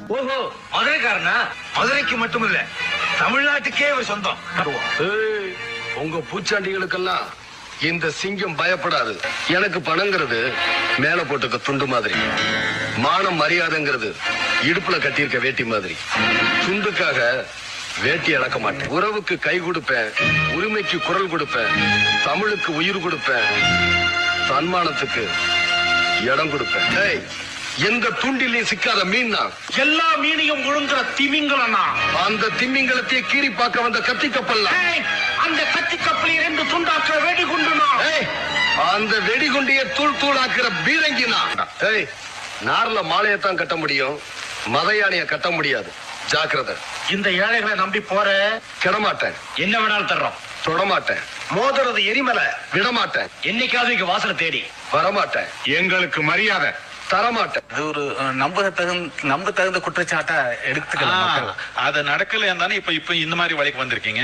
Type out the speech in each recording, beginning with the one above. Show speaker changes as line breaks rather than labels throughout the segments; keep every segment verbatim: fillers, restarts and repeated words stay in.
ஓஹோ, மதுரைக்காரனா? மதுரைக்கு மட்டுமில்ல, தமிழ்நாட்டுக்கே ஒரு சொந்தம்.
உங்க பூச்சாண்டிகளுக்கெல்லாம் இந்த சிங்கம் பயப்படாது. எனக்கு பணங்கிறது மேல போட்டுக்க துண்டு மாதிரி, மானம் மரியாதைங்கிறது இடுப்புல கட்டியிருக்க வேட்டி மாதிரி. துண்டுக்காக வேட்டி இழக்க மாட்டேன். உறவுக்கு கை கொடுப்பேன், உரிமைக்கு குரல் கொடுப்பேன், தமிழுக்கு உயிர் கொடுப்பேன், தன்மானத்துக்கு இடம் கொடுப்பேன். எந்த துண்டிலையும் சிக்காத மீன்
எல்லா மீனையும் முழுங்குற திமிங்கலனா?
அந்த திமிங்கலத்தை கீறி பார்க்க வந்த கத்தி கப்பல்.
அந்த கத்தி கப்பலை ரெண்டு துண்டாக்குற வெடிகுண்டுனா?
அந்த வெடிகுண்டிய தூள் தூளாக்குற பீரங்கினா? நார்ல மாலையத்தான் கட்ட முடியும், மத யானைய கட்ட முடியாது. ஜாக்கிரதை.
இந்த ஏழைகளை நம்பி போற
கிடமாட்டேன்.
என்ன வேணாலும் தர்றோம்.
தொடமாட்டேன்.
மோதுறது எரிமலை.
விடமாட்டேன்.
என்னைக்காவது இங்க வாசலை தேடி
வரமாட்டேன்.
எங்களுக்கு மரியாதை
தரமாட்டேன்.
அது ஒரு நம்ப தகுந்த நம்ப தகுந்த குற்றச்சாட்டா எடுத்துக்கலாம்.
அது நடக்கல தானே இப்ப இப்ப இந்த மாதிரி வழிக்கு வந்திருக்கீங்க.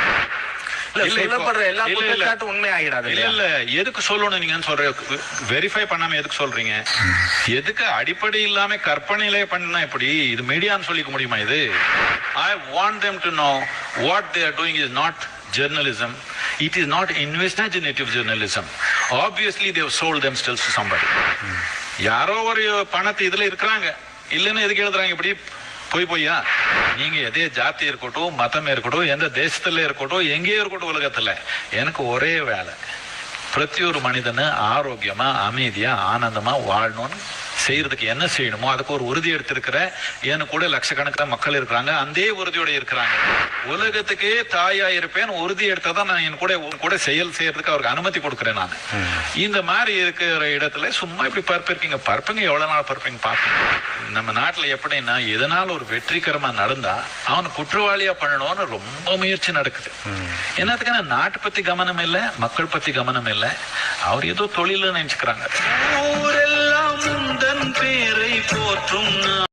சொல்லப்படுற எல்லா குற்றச்சாட்டும் உண்மை ஆகிடாது.
இல்ல இல்ல, எதுக்கு சொல்லணும் நீங்க சொல்ற? வெரிஃபை பண்ணாம எதுக்கு சொல்றீங்க? எதுக்கு அடிப்படை இல்லாம கற்பனையிலே பண்ணா எப்படி? இது மீடியான்னு சொல்லிக்க முடியுமா? இது I want them to know what they are doing is not journalism. It is not investigative journalism. Obviously they have sold themselves to somebody. யாரோ ஒரு பணத்தை இதுல இருக்கிறாங்க, இல்லன்னு எதுக்கு எழுதுறாங்க இப்படி போய் போய்யா? நீங்க எதே ஜாதி இருக்கட்டும், மதம் இருக்கட்டும், எந்த தேசத்துல இருக்கட்டும், எங்கேயோ இருக்கட்டும், உலகத்துல எனக்கு ஒரே வேலை, பிரதி ஒரு மனிதனு ஆரோக்கியமா அமைதியா ஆனந்தமா வாழணும்னு செய்யறதுக்கு என்ன செய்யணுமோ அதுக்கு ஒரு உறுதி எடுத்திருக்கிற எனக்கு கூட லட்சக்கணக்கில் மக்கள் இருக்கிறாங்க, அந்த உறுதியோட இருக்கிறாங்க. உலகத்துக்கே தாயா இருப்பேன் உறுதி எடுத்ததான் நான் என் கூட கூட செயல் செய்யறதுக்கு அவருக்கு அனுமதி கொடுக்குறேன். நான் இந்த மாதிரி இருக்கிற இடத்துல சும்மா இப்படி பரப்பிருக்கீங்க. பரப்புங்க, எவ்வளவு நாள் பரப்புங்க பார்ப்பீங்க. நம்ம நாட்டுல எப்படின்னா எதனால ஒரு வெற்றிகரமா நடந்தா அவன் குற்றவாளியா பண்ணணும்னு ரொம்ப முயற்சி நடக்குது. என்னத்துக்கான நாட்டை பத்தி கவனம் இல்லை, மக்கள் பத்தி கவனம் இல்லை, அவர் ஏதோ தொழில் நினைச்சுக்கிறாங்க.
ஊரெல்லாம் முந்தன் பேரை போற்றும்